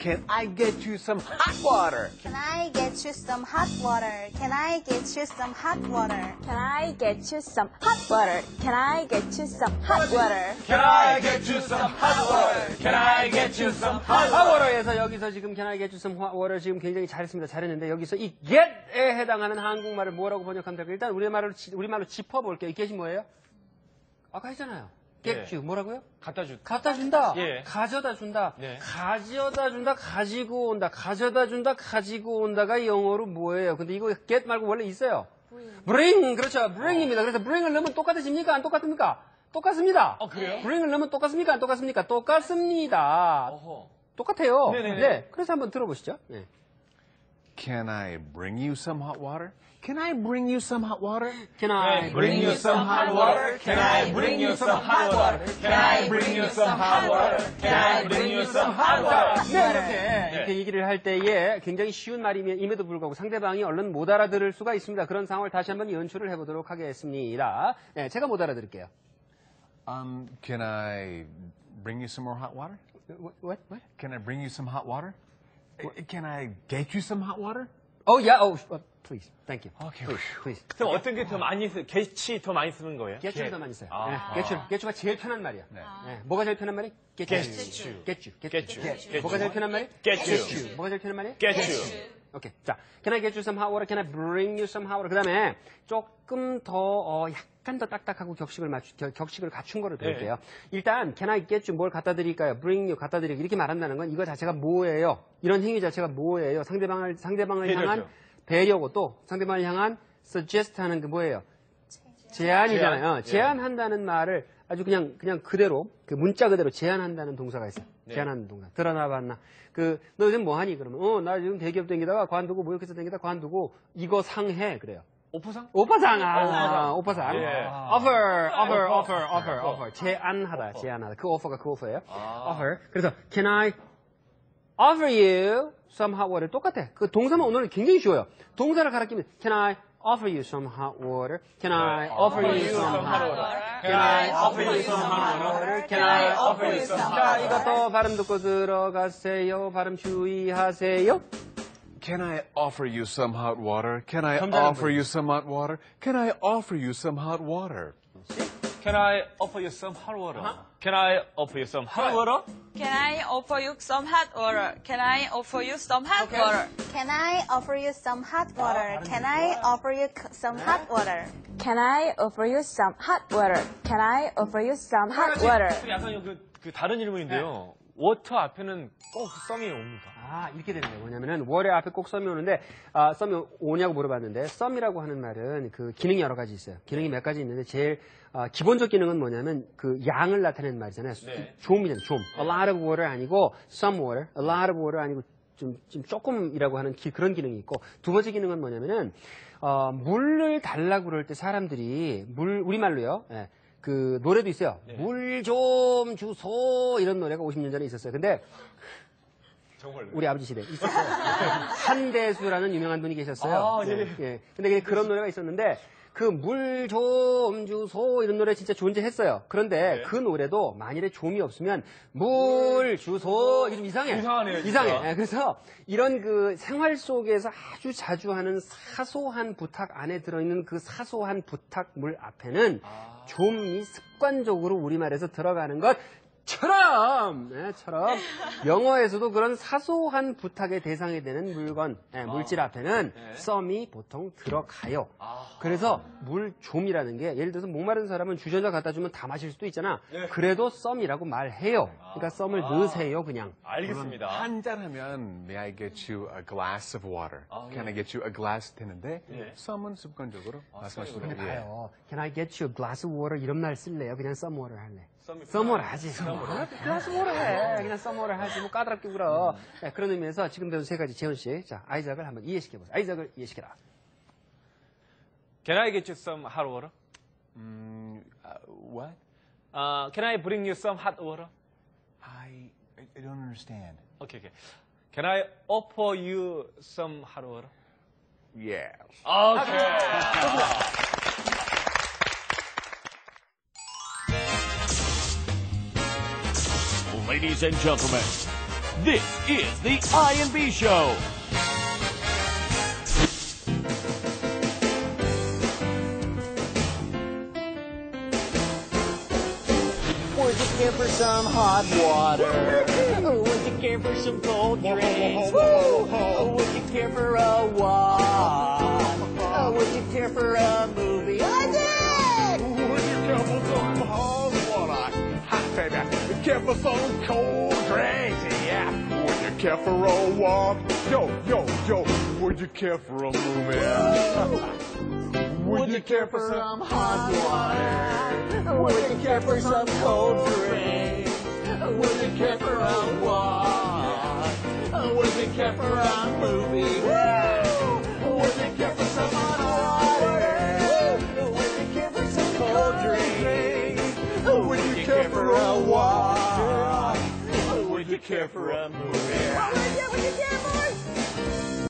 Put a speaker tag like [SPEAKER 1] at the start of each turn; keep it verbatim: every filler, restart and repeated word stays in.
[SPEAKER 1] Can I get you some hot water?
[SPEAKER 2] Can I get you some hot water? Can I get you some hot water?
[SPEAKER 3] Can I get you some hot water? Can I get you some hot water?
[SPEAKER 4] Can I get you some hot water? Can I get you some hot water?
[SPEAKER 5] water에서 여기서 지금 Can I get you some hot water 지금 굉장히 잘했습니다. 잘했는데 여기서 이 get에 해당하는 한국말을 뭐라고 번역하면 될까요? 일단 우리말로 우리말로 짚어볼게요. 이 get이 뭐예요? 아까 했잖아요. get you 뭐라고요?
[SPEAKER 4] 갖다 주.
[SPEAKER 5] 갖다 준다.
[SPEAKER 4] 예.
[SPEAKER 5] 가져다 준다.
[SPEAKER 4] 네.
[SPEAKER 5] 가져다 준다. 가지고 온다. 가져다 준다. 가지고 온다가 영어로 뭐예요? 근데 이거 get 말고 원래 있어요. bring. 그렇죠. bring입니다. 그래서 bring을 넣으면 똑같아집니까? 안 똑같습니까? 똑같습니다.
[SPEAKER 4] 어, 그래요?
[SPEAKER 5] bring을 넣으면 똑같습니까? 안 똑같습니까? 똑같습니다.
[SPEAKER 4] 어허.
[SPEAKER 5] 똑같아요.
[SPEAKER 4] 네네네.
[SPEAKER 5] 네. 그래서 한번 들어보시죠. 네.
[SPEAKER 1] Can I bring you some hot water? Can I bring you some hot water?
[SPEAKER 5] Can I
[SPEAKER 4] Bring you some hot water? Can I bring you some hot water? Can I bring you some hot water? Can I bring you some hot water?
[SPEAKER 5] 네, 이렇게, 이렇게 얘기를 할 때에 굉장히 쉬운 말임에도 불구하고 상대방이 얼른 못 알아들을 수가 있습니다. 그런 상황을 다시 한번 연출을 해보도록 하겠습니다. 네, 제가 못 알아들을게요.
[SPEAKER 1] Um, can I bring you some more hot water?
[SPEAKER 5] What? What? What?
[SPEAKER 1] Can I bring you some hot water? Can I get you some hot water?
[SPEAKER 5] Oh, yeah. Oh, please. Thank you.
[SPEAKER 1] Okay.
[SPEAKER 5] Please, please.
[SPEAKER 4] 그럼 어떤 게 더 많이 쓰, get이 더 많이 쓰는 거예요?
[SPEAKER 5] getchu를 더 많이 써요.
[SPEAKER 4] 아.
[SPEAKER 5] 네, getchu. getchu가 제일 편한 말이야.
[SPEAKER 1] 네.
[SPEAKER 5] 네, 뭐가 제일 편한 말이?
[SPEAKER 4] Get
[SPEAKER 5] getchu.
[SPEAKER 4] you.
[SPEAKER 5] getchu.
[SPEAKER 4] Get you.
[SPEAKER 5] get. 뭐가 제일 편한 말이?
[SPEAKER 4] Get you.
[SPEAKER 5] 뭐가 제일 편한 말이?
[SPEAKER 4] Get you.
[SPEAKER 5] 오케이. 자, can I get you some hot water? Can I bring you some hot water? 그 다음에 조금 더, 어, 약간 더 딱딱하고 격식을 맞추, 겨, 격식을 갖춘 거를 배울게요. 일단, can I get you 뭘 갖다 드릴까요? bring you 갖다 드리기. 이렇게 말한다는 건 이거 자체가 뭐예요? 이런 행위 자체가 뭐예요? 상대방을, 상대방을
[SPEAKER 4] 배려죠.
[SPEAKER 5] 향한 배려고 또 상대방을 향한 suggest 하는 게 뭐예요? 제안이잖아요.
[SPEAKER 4] 제안.
[SPEAKER 5] 어, 제안한다는 말을 아주 그냥, 그냥 그대로, 그 문자 그대로 제안한다는 동사가 있어요.
[SPEAKER 4] 네.
[SPEAKER 5] 제안하는 동사. 드러나 봤나? 그, 너 요즘 뭐 하니? 그러면, 어, 나 지금 대기업 댕기다가 관두고, 모욕해서 댕기다가 관두고, 이거 상해. 그래요.
[SPEAKER 4] 오퍼상?
[SPEAKER 5] 오빠상, 아, 오빠상.
[SPEAKER 4] 예.
[SPEAKER 5] offer, offer, offer, offer, offer. 제안하다, 제안하다. 그 offer가 그 offer예요. offer. 그래서, can I offer you some hot water? 똑같아. 그 동사만 오늘은 굉장히 쉬워요. 동사를 갈아끼면, can I offer you some hot water? Can I offer you some hot water?
[SPEAKER 4] Can I offer you some hot water? Can I offer you some hot
[SPEAKER 5] 자,
[SPEAKER 4] water?
[SPEAKER 5] 이것도 발음 듣고 들어가세요. 발음 주의하세요.
[SPEAKER 1] Can I offer you some hot water? Can I
[SPEAKER 5] 점잖은
[SPEAKER 1] offer
[SPEAKER 5] 분이.
[SPEAKER 1] you some hot water? Can I offer you some hot water?
[SPEAKER 4] Can I offer you some hot water? Can I offer you some hot water?
[SPEAKER 6] Can I offer you some hot water? Can I offer you some hot water?
[SPEAKER 2] Can I offer you some hot water? Can I offer you c- some hot water?
[SPEAKER 3] Can I offer you some hot water? Can I offer you some hot water?
[SPEAKER 4] 약간 그, 그 다른 질문인데요. 워터 앞에는 꼭 썸이 옵니까?
[SPEAKER 5] 아, 이렇게 되는 거예요. 뭐냐면은, 월에 앞에 꼭 썸이 오는데, 아, 썸이 오냐고 물어봤는데, 썸이라고 하는 말은 그 기능이 여러 가지 있어요. 기능이 몇 가지 있는데, 제일, 아, 기본적 기능은 뭐냐면, 그 양을 나타내는 말이잖아요.
[SPEAKER 4] 네.
[SPEAKER 5] 좀이잖아요, 좀. A lot of water 아니고, some water. A lot of water 아니고, 좀, 좀 조금이라고 하는 기, 그런 기능이 있고, 두 번째 기능은 뭐냐면은, 어, 물을 달라고 그럴 때 사람들이, 물, 우리말로요. 예. 그 노래도 있어요.
[SPEAKER 4] 네.
[SPEAKER 5] 물 좀 주소 이런 노래가 오십 년 전에 있었어요. 근데
[SPEAKER 4] 정말로.
[SPEAKER 5] 우리 아버지 시대 있었어요. 한대수라는 유명한 분이 계셨어요.
[SPEAKER 4] 아, 예.
[SPEAKER 5] 예. 근데 그냥 그런 노래가 있었는데 그 물 좀 주소 이런 노래 진짜 존재했어요. 그런데
[SPEAKER 4] 네.
[SPEAKER 5] 그 노래도 만일에 좀이 없으면 물 주소 이게 좀 이상해.
[SPEAKER 4] 이상하네요, 진짜.
[SPEAKER 5] 이상해. 예, 그래서 이런 그 생활 속에서 아주 자주 하는 사소한 부탁 안에 들어있는 그 사소한 부탁물 앞에는
[SPEAKER 4] 아.
[SPEAKER 5] 좀이 습관적으로 우리말에서 들어가는 것 처럼, 네, 처럼 영어에서도 그런 사소한 부탁의 대상이 되는 물건, 네, 물질 앞에는
[SPEAKER 4] 네.
[SPEAKER 5] 썸이 보통 들어가요.
[SPEAKER 4] 아.
[SPEAKER 5] 그래서 물좀이라는 게 예를 들어서 목마른 사람은 주전자 갖다 주면 다 마실 수도 있잖아.
[SPEAKER 4] 네.
[SPEAKER 5] 그래도 썸이라고 말해요. 그러니까 썸을
[SPEAKER 4] 아.
[SPEAKER 5] 넣으세요, 그냥.
[SPEAKER 4] 알겠습니다.
[SPEAKER 1] 한잔 하면 May I get you a glass of water?
[SPEAKER 4] 아,
[SPEAKER 1] Can
[SPEAKER 4] 네.
[SPEAKER 1] I get you a glass 되는데
[SPEAKER 4] 네.
[SPEAKER 1] 썸은 습관적으로 말씀하시는
[SPEAKER 5] 근데
[SPEAKER 1] 거예요.
[SPEAKER 5] 봐요. Can I get you a glass of water? 이런 말 쓸래요? 그냥 썸 워터 할래.
[SPEAKER 4] 썸이
[SPEAKER 5] 썸워를 하지. 글라스 워터 해. 그냥 썸워를 하지. 뭐 까다롭게 굴어. 네, 그런 의미에서 지금 배운 세 가지 재훈 씨. 자, 아이작을 한번 이해시켜보세요. 아이작을 이해시켜라.
[SPEAKER 4] Can I get you some hot water?
[SPEAKER 1] Mm, uh, what?
[SPEAKER 4] Uh, can I bring you some hot water?
[SPEAKER 1] I, I don't understand.
[SPEAKER 4] Okay, okay. Can I offer you some hot water?
[SPEAKER 1] Yes.
[SPEAKER 4] Okay.
[SPEAKER 7] Ladies and gentlemen,
[SPEAKER 4] This is the I and B Show.
[SPEAKER 7] Would you care for some hot water? Would you care for some cold drinks? Would you care for a walk? Would you care for a movie? I did!
[SPEAKER 1] Would you care for some hot water? Hot baby. Would you care for some cold drinks? Yeah. Would you care for a walk? Yo, yo, yo. Would you care for a movie?
[SPEAKER 7] Would you care for some hot water? Would you care for some cold drink? Would you care for a walk? Would you care for a movie? Would you care for some hot water? Would you care for some cold drink? Would you care for a walk? Would you care for a movie?